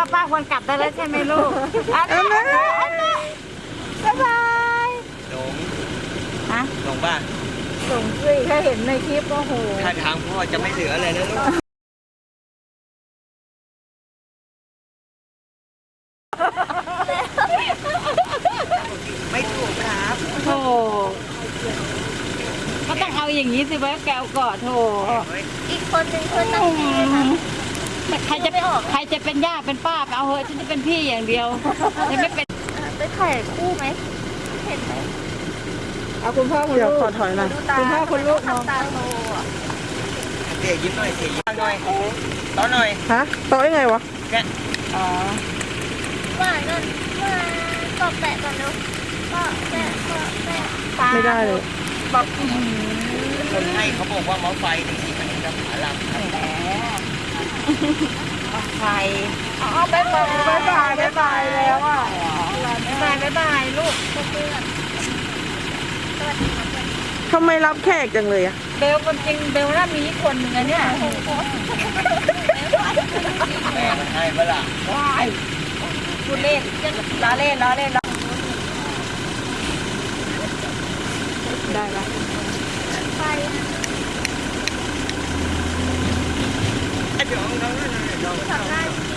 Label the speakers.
Speaker 1: ป้าควรกลับได้แล้วใช่ไหมลูกอันนี้บ๊ายบาย
Speaker 2: หลง
Speaker 1: ฮะ
Speaker 2: หลงบ้า
Speaker 1: ส่งสิแค่เห็นในคลิปก็โห
Speaker 2: ถ้าทางพ่อจะไม่เหลืออะไรแล้วลูกไม่ถูกครับ
Speaker 1: โธ่ก็ต้องเอาอย่างนี้สิไว้แกวก่อนโธ่
Speaker 3: อีกคนหนึ่งคือตั้งใจค่ะ
Speaker 1: ใครจะเป็นย่าเป็นป้าไปเอาเหอะฉันจะเป็นพี่อย่างเดียวฉันไม่เป็น
Speaker 3: ไปถ่ายคู่ไหมเห็นไหม
Speaker 1: เอาคุณพ่อคุณลูกขอถอยหน่อยคุณพ่อคุณลูกมอง
Speaker 3: ทำตาโตอ่ะ
Speaker 2: เสียยิ้มหน่อยเสียยิ้มหน่อยต้อนหน่อย
Speaker 4: ฮะโต๊ะยังไงวะ
Speaker 2: แก
Speaker 1: อ๋อ
Speaker 3: ว่านั่นว่าก็แปะก่อนเนาะก็แปะก็แปะ
Speaker 4: ไม่ได้เลย
Speaker 1: บอก
Speaker 2: คนให้เขาบอกว่าหมอไฟจริงๆมันจะผาลำครับ
Speaker 1: แหมใครอ๋อบ๊ายบายบ๊ายบายบ๊ายบายแล้วอ่ะบ๊ายบายบ๊ายบายลูก
Speaker 3: เพื่อนสวัสดีค่ะเพื่อน
Speaker 4: ทำไมรับแขกจังเลยอะ
Speaker 1: เบลคนจริงเบลน่ามีอีกคนหนึ่งอะเนี่ย
Speaker 2: แม่มันให้เปล่า
Speaker 1: ว้ายพูดเล่นล้อเล่นล้อเล่นล้อได้ละ
Speaker 3: ไป
Speaker 2: เดี๋ยวเอา
Speaker 3: ทำได้จริง